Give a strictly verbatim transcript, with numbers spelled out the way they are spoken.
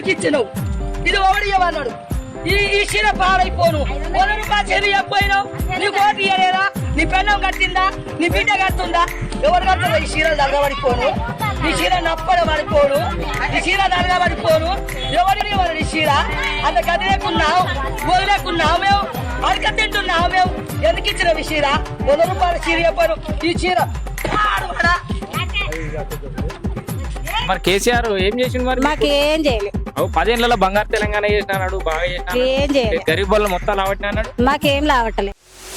ఎందుకు ఇచ్చినావు? ఇది ఒకటి ఇవ్వన్నాడు. ఈ ఈ చీర పాడైపోను. వంద రూపాయలు చెల్లి చెప్పినావు. నీ కోటి ఇయ్యలేదా? నీ పెళ్ళం కట్టిందా? నీ బిడ్డ కట్టుందా? ఎవరు కడుతుందా? ఈ చీరలు దరగబడిపోను, ఈ చీర నప్పడ పడిపోను, ఈ చీర దరగబడిపోను. ఎవరిని ఎవరు ఈ చీర అంత కదిలేకున్నావు, వదిలేకున్నావు, మేము అడక తింటున్నావు. మేము ఎందుకు ఇచ్చిన ఈ చీర? వంద రూపాయల చీర చెప్పాను. ఈ చీర పాడుపడా. మరి కేసీఆర్ ఏం చేసిండు? మరి మాకేం చేయలేదు. పదేళ్లలో బంగారు తెలంగాణ చేసినాడు, బాగా చేసినాడు. ఏం చేయలేదు. గరీబ్ వాళ్ళు మొత్తం లావట్టిన అన్నాడు. మాకేం లావట్లేదు.